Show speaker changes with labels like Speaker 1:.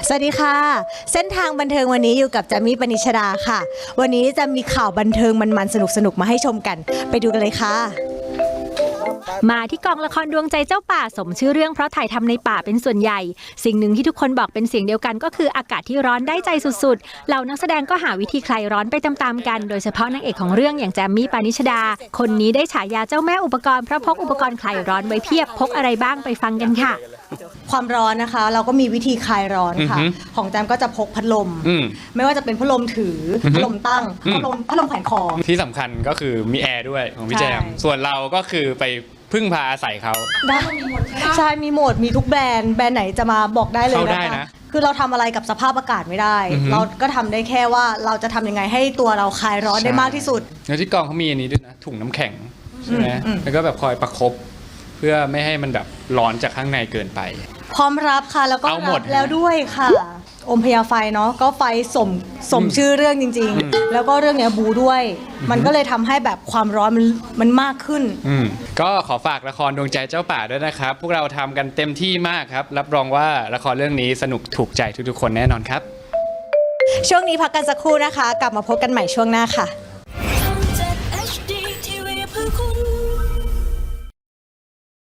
Speaker 1: สวัสดีค่ะเส้นทางบันเทิงวันนี้อยู่กับจามี่ ปณิชดาค่ะวันนี้จะมีข่าวบันเทิงมันๆสนุกๆมาให้ชมกันไปดูกันเลยค่ะ
Speaker 2: มาที่กองละครดวงใจเจ้าป่าสมชื่อเรื่องเพราะถ่ายทำในป่าเป็นส่วนใหญ่สิ่งหนึ่งที่ทุกคนบอกเป็นเสียงเดียวกันก็คืออากาศที่ร้อนได้ใจสุดๆเหล่านักแสดงก็หาวิธีคลายร้อนไปตามๆกันโดยเฉพาะนางเอกของเรื่องอย่างแจมมี่ ปณิชดาคนนี้ได้ฉายาเจ้าแม่อุปกรณ์เพราะพกอุปกรณ์คลายร้อนไว้เพียบพกอะไรบ้างไปฟังกันค่ะ
Speaker 1: ความร้อนนะคะเราก็มีวิธีคลายร้อนค่ะของแจมก็จะพกพัดลมไม่ว่าจะเป็นพัดลมถือพัดลมตั้งพัดลมแขวนคอ
Speaker 3: ที่สำคัญก็คือมีแอร์ด้วยของพี่แจมส่วนเราก็คือไปพึ่งพาอาศัยเขา
Speaker 1: ได้ใช่มีหมดมีทุกแบรนด์ไหนจะมาบอกได้เลยนะคะคือเราทำอะไรกับสภาพอากาศไม่ได้เราก็ทำได้แค่ว่าเราจะทำยังไงให้ตัวเราคลายร้อนได้มากที่สุด
Speaker 3: แล้วที่กองเขามีอันนี้ด้วยนะถุงน้ำแข็งใช่ไหมแล้วก็แบบคอยประคบเพื่อไม่ให้มันแบบร้อนจากข้างในเกินไป
Speaker 1: พร้อมรับค่ะแล้วก็รับแล้วด้วยค่ะอมพยาไฟเนาะก็ไฟสมชื่อเรื่องจริงๆแล้วก็เรื่องเนี้ยบูด้วยมันก็เลยทำให้แบบความร้อนมันมากขึ้น
Speaker 3: ก็ขอฝากละครดวงใจเจ้าป่าด้วยนะครับพวกเราทำกันเต็มที่มากครับรับรองว่าละครเรื่องนี้สนุกถูกใจทุกๆคนแน่นอนครับ
Speaker 1: ช่วงนี้พักกันสักครู่นะคะกลับมาพบกันใหม่ช่วงหน้าค่ะ